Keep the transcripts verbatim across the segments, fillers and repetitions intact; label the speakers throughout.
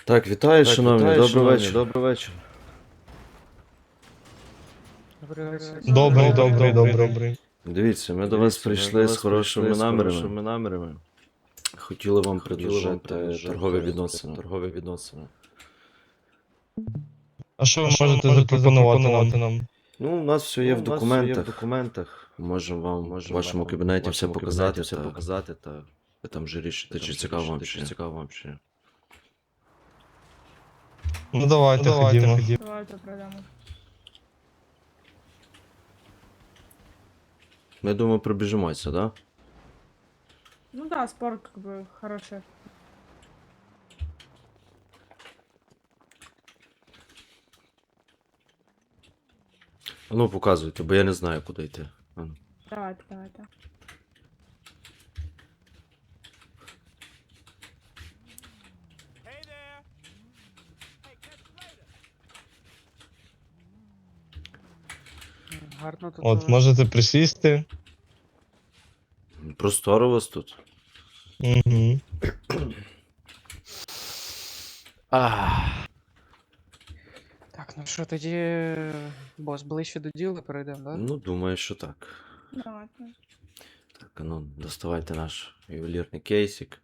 Speaker 1: Так, вітаю,
Speaker 2: Так,
Speaker 1: шановні,
Speaker 2: вітаю,
Speaker 1: добрий
Speaker 2: шановні,
Speaker 1: вечір.
Speaker 2: добрий вечір.
Speaker 3: Добрий, добрий, добрий.
Speaker 1: Дивіться, ми до вас
Speaker 2: Дивіться, ми
Speaker 1: прийшли
Speaker 2: до
Speaker 1: з
Speaker 2: вас
Speaker 1: хорошими
Speaker 2: прийшли з
Speaker 1: намірами.
Speaker 2: хорошими намірами.
Speaker 1: Хотіли вам
Speaker 2: Хотіли вам
Speaker 1: предложити
Speaker 2: предложити
Speaker 1: торгові відносини.
Speaker 2: торгові відносини.
Speaker 3: А що ви можете запропонувати нам?
Speaker 1: Ну, у нас все є
Speaker 2: Ну,
Speaker 1: в
Speaker 2: у нас все є в
Speaker 1: документах.
Speaker 2: документах.
Speaker 1: Можемо вам в
Speaker 2: Можемо
Speaker 1: вашому
Speaker 2: вам
Speaker 1: кабінеті
Speaker 2: в
Speaker 1: все
Speaker 2: вашому
Speaker 1: показати,
Speaker 2: кабінеті все
Speaker 1: та
Speaker 2: показати та
Speaker 1: ви там вже рішите,
Speaker 2: там
Speaker 1: чи
Speaker 2: вже
Speaker 1: цікаво вам
Speaker 2: рішити,
Speaker 1: чи
Speaker 2: чи
Speaker 1: ні.
Speaker 2: цікаво вам чи ні.
Speaker 3: Ну давайте, ходімо.
Speaker 4: Давайте пройдемо.
Speaker 1: Ми думаю, пробіжимося, да?
Speaker 4: Ну да, спорт как бы хороший.
Speaker 1: А ну, показуйте, бо я не знаю, куди йти. А ну.
Speaker 4: Давайте, давайте.
Speaker 5: Гарно тут.
Speaker 3: От,
Speaker 5: е,
Speaker 3: можете присісти.
Speaker 1: Просторо у вас тут.
Speaker 3: Угу.
Speaker 1: Ах.
Speaker 5: Так, ну що, тоді, е, бос, ближче до діла перейдемо, да?
Speaker 1: Ну, думаю, що так.
Speaker 4: Давайте.
Speaker 1: Так, а ну, доставайте наш ювелірний кейсик.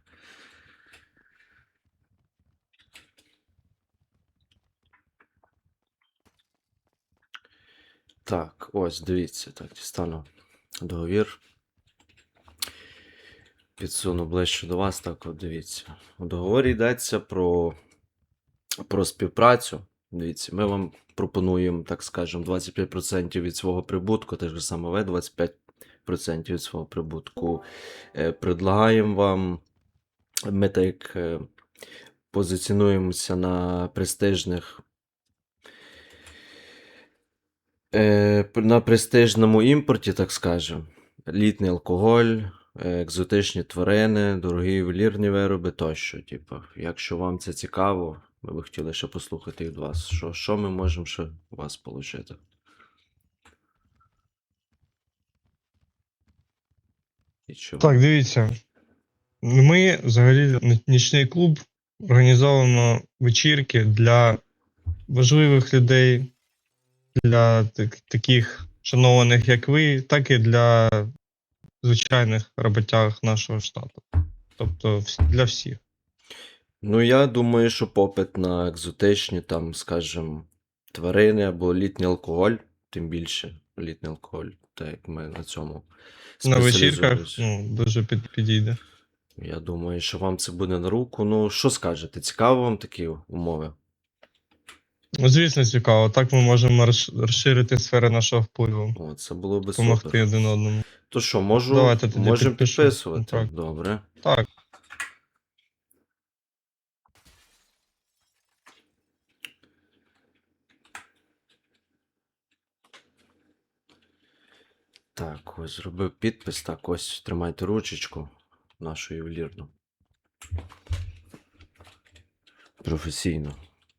Speaker 1: Так, ось, дивіться, так, дістану договір. Підсуну ближче до вас, так от дивіться. У договорі йдеться про, про співпрацю. Дивіться, ми вам пропонуємо, так скажемо, двадцять п'ять відсотків від свого прибутку, те ж саме ви двадцять п'ять відсотків від свого прибутку. Е, предлагаємо вам, ми так е, позиціонуємося на престижних Е, на престижному імпорті, так скажемо. Літній алкоголь, е, екзотичні тварини, дорогі ювелірні вироби тощо. Типу, якщо вам це цікаво, ми би хотіли ще послухати від вас, що, що ми можемо ще у вас отримати. І чого?
Speaker 3: Так, дивіться. Ми взагалі нічний клуб організовуємо вечірки для важливих людей, для так- таких шанованих, як ви, так і для звичайних роботяг нашого штату. Тобто вс- для всіх.
Speaker 1: Ну, я думаю, що попит на екзотичні, там, скажімо, тварини або літній алкоголь, тим більше літній алкоголь, так як ми на цьому
Speaker 3: На вечірках
Speaker 1: спеціалізуємось.
Speaker 3: ну, дуже під, підійде.
Speaker 1: Я думаю, що вам це буде на руку. Ну, що скажете, цікаво вам такі умови?
Speaker 3: Ну, звісно, цікаво. Так ми можемо розш- розширити сфери нашого впливу,
Speaker 1: О, це було би
Speaker 3: допомогти
Speaker 1: супер.
Speaker 3: один одному.
Speaker 1: То що, можу,
Speaker 3: Давайте тоді
Speaker 1: можемо
Speaker 3: підпишу
Speaker 1: підписувати?
Speaker 3: контракт.
Speaker 1: Добре.
Speaker 3: Так.
Speaker 1: Так, ось зробив підпис. Так, ось тримайте ручечку нашу ювелірну. Професійно.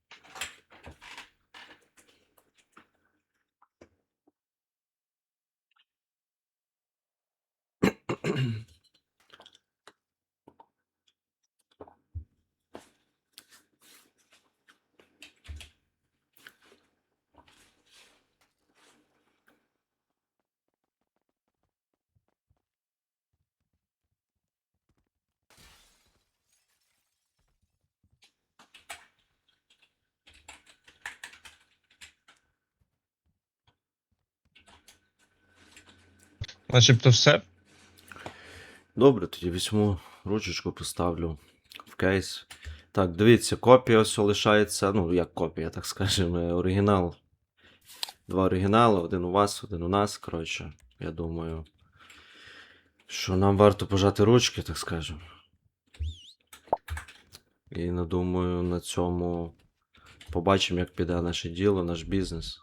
Speaker 3: Начебто все.
Speaker 1: Добре, тоді візьму ручечку, поставлю в кейс. Так, дивіться, копія ось лишається. Ну, як копія, так скажемо, оригінал. Два оригінали, один у вас, один у нас. Коротше, я думаю, що нам варто пожати ручки, так скажемо. І надумаю, на цьому побачимо, як піде наше діло, наш бізнес.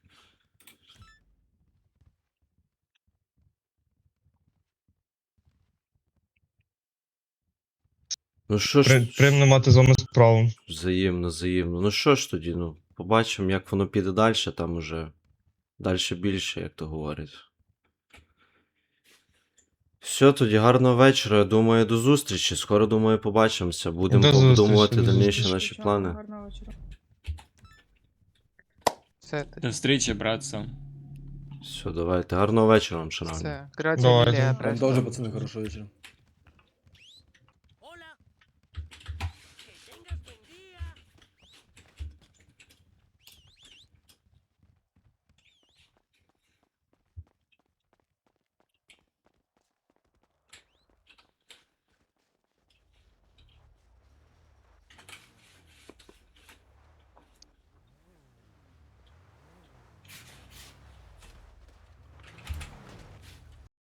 Speaker 1: Ну що
Speaker 3: При,
Speaker 1: ж,
Speaker 3: приємно мати з вами справу.
Speaker 1: взаємно, взаємно. Ну що ж тоді, ну, побачимо, як воно піде далі, там уже далі більше, як то говорять. Все, тоді гарного вечора. Я думаю, до зустрічі. Скоро, думаю, побачимося. Будемо
Speaker 3: До зустрічі,
Speaker 1: обдумувати
Speaker 3: до
Speaker 1: дальніші
Speaker 3: зустрічі.
Speaker 1: наші
Speaker 4: Звичайно,
Speaker 1: плани.
Speaker 4: Гарного вечора.
Speaker 5: Все, тоді.
Speaker 2: До встречи, братцы.
Speaker 1: Все, давайте. Гарного вечора вам, шановні.
Speaker 5: Все. Грація
Speaker 3: Давайте.
Speaker 5: мілія,
Speaker 3: Вам
Speaker 6: Вам
Speaker 5: престо.
Speaker 6: тоже, пацаны, хорошего вечера.